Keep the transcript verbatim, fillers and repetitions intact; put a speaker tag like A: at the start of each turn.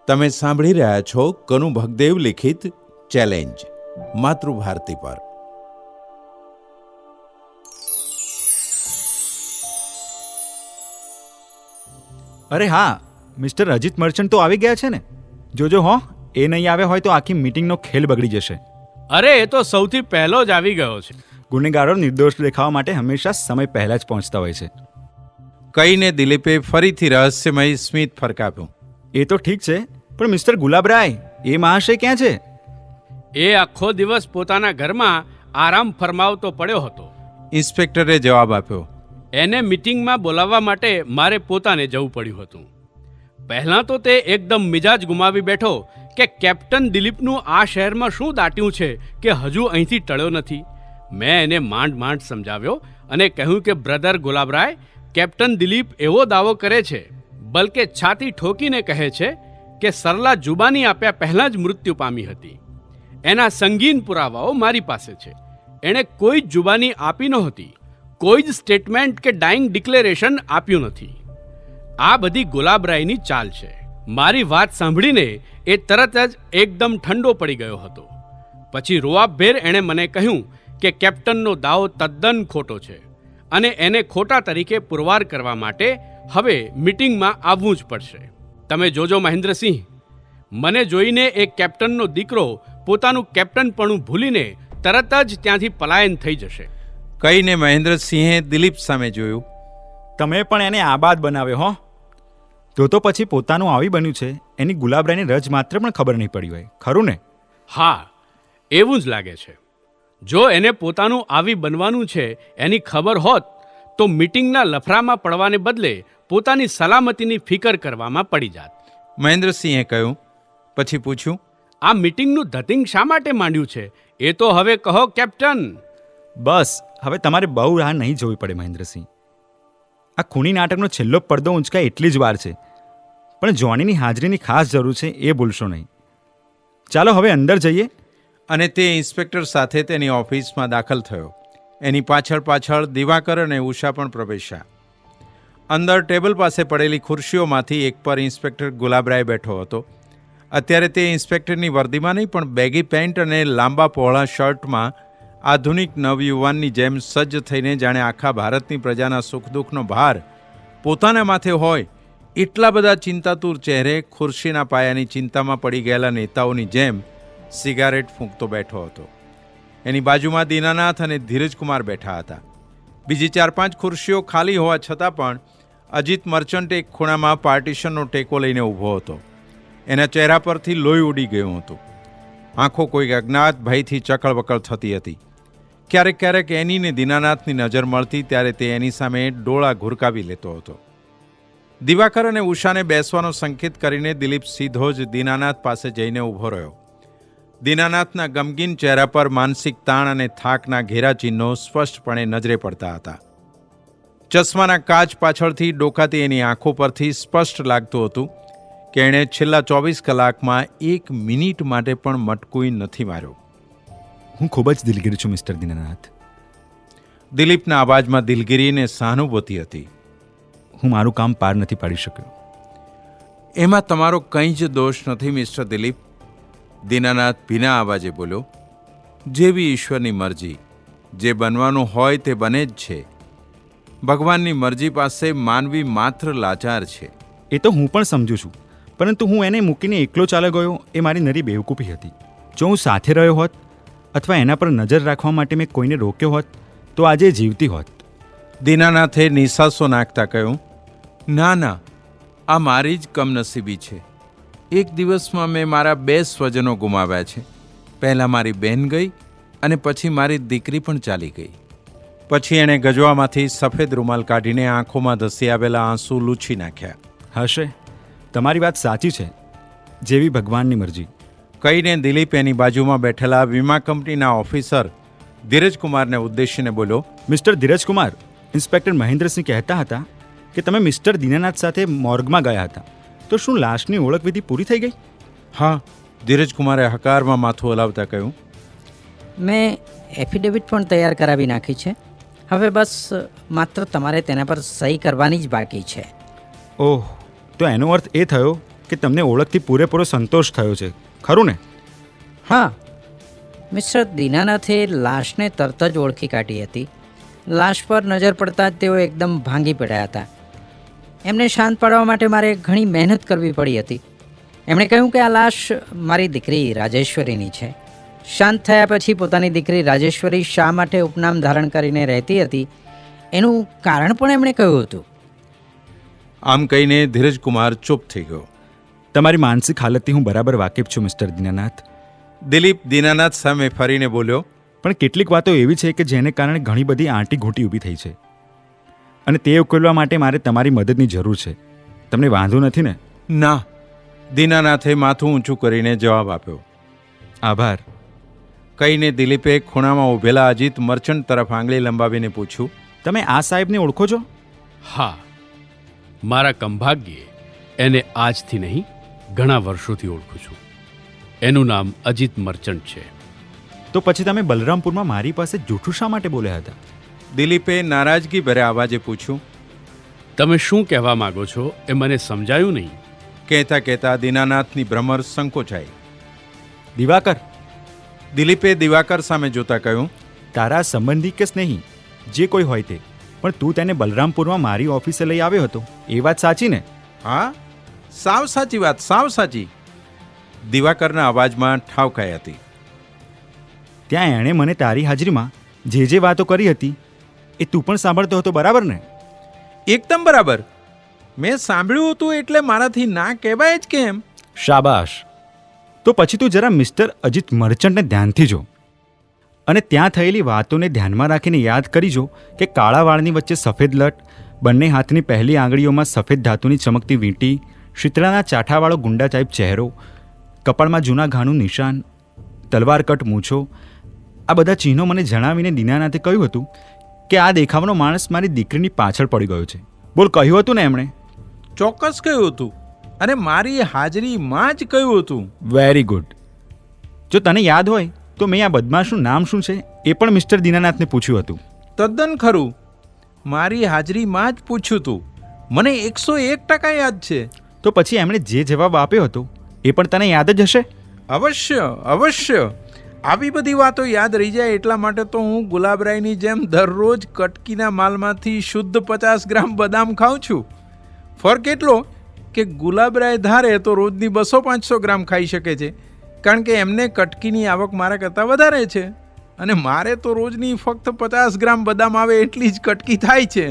A: તમે સાંભળી રહ્યા છો કનુ ભગદેવ લિખિત ચેલેન્જ માતૃભારતી પર.
B: અરે હા, મિસ્ટર અજીત મર્ચન્ટ તો આવી ગયા છે ને. જોજો હો, એ નહીં આવ્યા હોય તો આખી મીટિંગનો ખેલ બગડી જશે.
C: અરે એ તો સૌથી પહેલો જ આવી ગયો છે.
B: ગુનેગારો નિર્દોષ દેખાવા માટે હંમેશા સમય પહેલા જ પહોંચતા હોય છે.
A: કહીને દિલીપે ફરીથી રહસ્યમય સ્મિત ફરકાવ્યું.
B: એ તો ઠીક છે, પણ મિસ્ટર ગુલાબરાય, એ મહાશય ક્યાં છે?
C: એ આખો દિવસ પોતાના ઘરમાં આરામ ફરમાવતો પડ્યો હતો.
A: ઇન્સ્પેક્ટરે જવાબ આપ્યો.
C: એને મીટિંગમાં બોલાવવા માટે મારે પોતાને જવું પડ્યું હતું. પહેલાં તો તે એકદમ મિજાજ ગુમાવી બેઠો કે કેપ્ટન દિલીપનું આ શહેરમાં શું દાટ્યું છે કે હજુ અહીંથી ટળ્યો નથી. મેં એને માંડ માંડ સમજાવ્યો અને કહ્યું કે બ્રધર ગુલાબરાય, કેપ્ટન દિલીપ એવો દાવો કરે છે, બલકે છાતી ઠોકીને કહે છે કે સરલા જુબાની આપ્યા પહેલાં જ મૃત્યુ પામી હતી. એના સંગીન પુરાવાઓ મારી પાસે છે. એણે કોઈ જ જુબાની આપી નહોતી, કોઈ જ સ્ટેટમેન્ટ કે ડાઇંગ ડિક્લેરેશન આપ્યું નથી. આ બધી ગુલાબરાયની ચાલ છે. મારી વાત સાંભળીને એ તરત જ એકદમ ઠંડો પડી ગયો હતો. પછી રોઆબભેર એણે મને કહ્યું કે કેપ્ટનનો દાવો તદ્દન ખોટો છે અને એને ખોટા તરીકે પુરવાર કરવા માટે હવે મીટિંગમાં આવવું જ પડશે. તમે જોજો મહેન્દ્રસિંહ, મને જોઈને એ કેપ્ટનનો દીકરો પોતાનું કેપ્ટનપણું ભૂલીને તરત જ ત્યાંથી પલાયન થઈ જશે.
A: કહીને મહેન્દ્રસિંહે દિલીપ સામે જોયું.
B: તમે પણ એને આબાદ બનાવ્યો હો. તો તો પછી પોતાનું આવી બન્યું છે એની ગુલાબરાયની રજ માત્ર પણ ખબર નહીં પડી હોય, ખરું ને?
C: હા, એવું જ લાગે છે. જો એને પોતાનું આવી બનવાનું છે એની ખબર હોત તો મીટિંગના લફરામાં પડવાને બદલે પોતાની સલામતીની ફિકર કરવામાં પડી જાત.
A: મહેન્દ્રસિંહે કહ્યું. પછી પૂછ્યું,
C: આ મીટિંગનું ધતિંગ શા માટે માંડ્યું છે એ તો હવે કહો કેપ્ટન.
B: બસ હવે તમારે બહુ રાહ નહીં જોવી પડે મહેન્દ્રસિંહ. આ ખૂની નાટકનો છેલ્લો પડદો ઊંચકાય એટલી જ વાર છે, પણ જોનીની હાજરીની ખાસ જરૂર છે, એ ભૂલશો નહીં. ચાલો હવે અંદર જઈએ.
A: અને તે ઇન્સ્પેક્ટર સાથે તેની ઓફિસમાં દાખલ થયો. એની પાછળ પાછળ દિવાકર અને ઉષા પણ પ્રવેશ્યા. અંદર ટેબલ પાસે પડેલી ખુરશીઓમાંથી એક પર ઇન્સ્પેક્ટર ગુલાબરાય બેઠો હતો. અત્યારે તે ઇન્સ્પેક્ટરની વર્દીમાં નહીં પણ બેગી પેન્ટ અને લાંબા પહોળા શર્ટમાં આધુનિક નવયુવાનની જેમ સજ્જ થઈને જાણે આખા ભારતની પ્રજાના સુખ દુઃખનો ભાર પોતાના માથે હોય એટલા બધા ચિંતાતુર ચહેરે ખુરશીના પાયાની ચિંતામાં પડી ગયેલા નેતાઓની જેમ સિગારેટ ફૂંકતો બેઠો હતો. એની બાજુમાં દીનાનાથ અને ધીરજકુમાર બેઠા હતા. બીજી ચાર પાંચ ખુરશીઓ ખાલી હોવા છતાં પણ અજીત મર્ચન્ટ એક ખૂણામાં પાર્ટીશનનો ટેકો લઈને ઊભો હતો. એના ચહેરા પરથી લોહી ઉડી ગયું હતું. આંખો કોઈ અજ્ઞાત ભયથી ચકળબકળ થતી હતી. ક્યારેક ક્યારેક એની ને દીનાનાથની નજર મળતી ત્યારે તે એની સામે ડોળા ઘુરકાવી લેતો હતો. દિવાકર અને ઉષાને બેસવાનો સંકેત કરીને દિલીપ સીધો જ દીનાનાથ પાસે જઈને ઊભો રહ્યો. દીનાનાથના ગમગીન ચહેરા પર માનસિક તાણ અને થાકના ઘેરા ચિહ્નો સ્પષ્ટપણે નજરે પડતા હતા. ચશ્માના કાચ પાછળથી ડોકાતી એની આંખો પરથી સ્પષ્ટ લાગતું હતું કે એણે છેલ્લા ચોવીસ કલાકમાં એક મિનિટ માટે પણ મટકુઈ નથી માર્યો.
B: હું ખૂબ જ દિલગીર છું મિસ્ટર દીનાનાથ.
A: દિલીપના અવાજમાં દિલગીરી અને સહાનુભૂતિ હતી.
B: હું મારું કામ પાર નથી પાડી શક્યો.
A: એમાં તમારો કંઈ જ દોષ નથી મિસ્ટર દિલીપ. દીનાનાથ ભીના અવાજે બોલ્યો. જેવી ઈશ્વરની મરજી, જે બનવાનું હોય તે બને જ છે. ભગવાનની મરજી પાસે માનવી માત્ર લાચાર છે.
B: એ તો હું પણ સમજુ છું, પરંતુ હું એને મૂકીને એકલો ચાલ્યો ગયો એ મારી નરી બેવકૂફી હતી. જો હું સાથે રહ્યો હોત અથવા એના પર નજર રાખવા માટે મેં કોઈને રોક્યો હોત તો આજે જીવતી હોત.
A: દીનાનાથે નિસાસો નાખતા કહ્યું, ના ના, આ મારી જ કમનસીબી છે. એક દિવસમાં મેં મારા બે સ્વજનો ગુમાવ્યા છે. પહેલાં મારી બહેન ગઈ અને પછી મારી દીકરી પણ ચાલી ગઈ. પછી એણે ગજવામાંથી સફેદ રૂમાલ કાઢીને આંખોમાં ધસી આવેલા આંસુ લૂછી નાખ્યા.
B: હશે, તમારી વાત સાચી છે. જેવી ભગવાનની મરજી.
A: કહીને દિલીપ એની બાજુમાં બેઠેલા વીમા કંપનીના ઓફિસર ધીરજકુમારને ઉદ્દેશીને બોલ્યો.
B: મિસ્ટર ધીરજકુમાર, ઇન્સ્પેક્ટર મહેન્દ્રસિંહ કહેતા હતા કે તમે મિસ્ટર દીનાનાથ સાથે મોર્ગમાં ગયા હતા. તો શું લાશની ઓળખવિધિ પૂરી થઈ ગઈ?
A: હા, ધીરજકુમારે હકારમાં માથું હલાવતા કહ્યું.
D: મેં એફિડેવિટ પણ તૈયાર કરાવી નાખી છે. હવે બસ માત્ર તમારે તેના પર સહી કરવાની જ બાકી છે.
B: ઓહ, તો એનો અર્થ એ થયો કે તમને ઓળખથી પૂરેપૂરો સંતોષ થયો છે, ખરું ને?
D: હા, મિસ્ટર દીનાનાથે લાશને તરત જ ઓળખી કાઢી હતી. લાશ પર નજર પડતા જ તેઓ એકદમ ભાંગી પડ્યા હતા. એમને શાંત પાડવા માટે મારે ઘણી મહેનત કરવી પડી હતી. એમણે કહ્યું કે આ લાશ મારી દીકરી રાજેશ્વરીની છે. શાંત થયા પછી પોતાની દીકરી રાજેશ્વરી શા માટે ઉપનામ ધારણ કરીને રહેતી હતી એનું કારણ પણ એમણે કહ્યું હતું.
A: આમ કહીને ધીરજકુમાર ચૂપ થઈ ગયો.
B: તમારી માનસિક હાલતથી હું બરાબર વાકેફ છું મિસ્ટર દીનાનાથ.
A: દિલીપ દીનાનાથ સામે ફરીને બોલ્યો,
B: પણ કેટલીક વાતો એવી છે કે જેને કારણે ઘણી બધી આંટી ઘૂંટી ઊભી થઈ છે, અને તે ઉકેલવા માટે મારે તમારી મદદની જરૂર છે. તમને વાંધો નથી ને?
A: ના. દીનાનાથે માથું ઊંચું કરીને જવાબ આપ્યો.
B: આભાર.
A: કહીને દિલીપે ખૂણામાં ઊભેલા અજીત મર્ચન્ટ તરફ આંગળી લંબાવીને પૂછ્યું,
B: તમે આ સાહેબને ઓળખો છો?
C: હા, મારા કંભાગ્યે એને આજથી નહીં ઘણા વર્ષોથી ઓળખું છું. એનું નામ અજીત મર્ચન્ટ છે.
B: તો પછી તમે બલરામપુરમાં મારી પાસે જૂઠું શા માટે બોલ્યા હતા?
A: દિલીપે નારાજગી ભર્યા અવાજે પૂછ્યું.
C: તમે શું કહેવા માંગો છો એ મને સમજાયું નહીં.
A: કહેતા કહેતા દીનાનાથની ભ્રમર સંકોચાઈ.
B: દિવાકર,
A: દિલીપે દિવાકર સામે જોતા કહ્યું,
B: તારા સંબંધી કે સ્નેહી જે કોઈ હોય તે, પણ તું તેને બલરામપુરમાં મારી ઓફિસે લઈ આવ્યો હતો, એ વાત સાચી ને?
A: હા, સાવ સાચી વાત, સાવ સાચી. દિવાકરના અવાજમાં ઠાવકાઈ હતી.
B: ત્યાં એણે મને તારી હાજરીમાં જે જે વાતો કરી હતી એ તું પણ સાંભળતો હતો, બરાબર ને?
A: એકદમ બરાબર. મેં સાંભળ્યું હતું એટલે મારાથી ના કહેવાય જ કેમ?
B: શાબાશ. તો પછી તું જરા મિસ્ટર અજીત મર્ચન્ટને ધ્યાનથી જો, અને ત્યાં થયેલી વાતોને ધ્યાનમાં રાખીને યાદ કરી જો કે કાળા વાળની વચ્ચે સફેદ લટ, બંને હાથની પહેલી આંગળીઓમાં સફેદ ધાતુની ચમકતી વીંટી, શીતળાના ચાઠાવાળો ગુંડા ટાઈપ ચહેરો, કપાળમાં જૂના ઘાનું નિશાન, તલવાર કટ મૂછો, આ બધા ચિહ્નો મને જણાવીને દીનાનાથે કહ્યું હતું કે આ દેખાવનો માણસ મારી દીકરીની પાછળ પડી ગયો છે. બોલ, કહ્યું હતું ને એમણે?
A: ચોક્કસ કહ્યું હતું, અને મારી હાજરીમાં જ કહ્યું હતું.
B: Very good. જો તને યાદ હોય તો મેં આ બદમાશનું નામ શું છે એ પણ મિસ્ટર દીનાનાથને પૂછ્યું હતું.
A: તદ્દન ખરું. મારી હાજરીમાં જ પૂછ્યું હતું. મને એકસો એક ટકા યાદ છે.
B: તો પછી એમણે જે જવાબ આપ્યો હતો એ પણ તને યાદ જ હશે?
A: અવશ્ય, અવશ્ય. આવી બધી વાતો યાદ રહી જાય એટલા માટે તો હું ગુલાબરાયની જેમ દરરોજ કટકીના માલમાંથી શુદ્ધ પચાસ ગ્રામ બદામ ખાઉં છું. ફરક એટલો કે ગુલાબરાય ધારે તો રોજની બસો પાંચસો ગ્રામ ખાઈ શકે છે, કારણ કે એમને કટકીની આવક મારા કરતાં વધારે છે, અને મારે તો રોજની ફક્ત પચાસ ગ્રામ બદામ આવે એટલી જ કટકી થાય છે.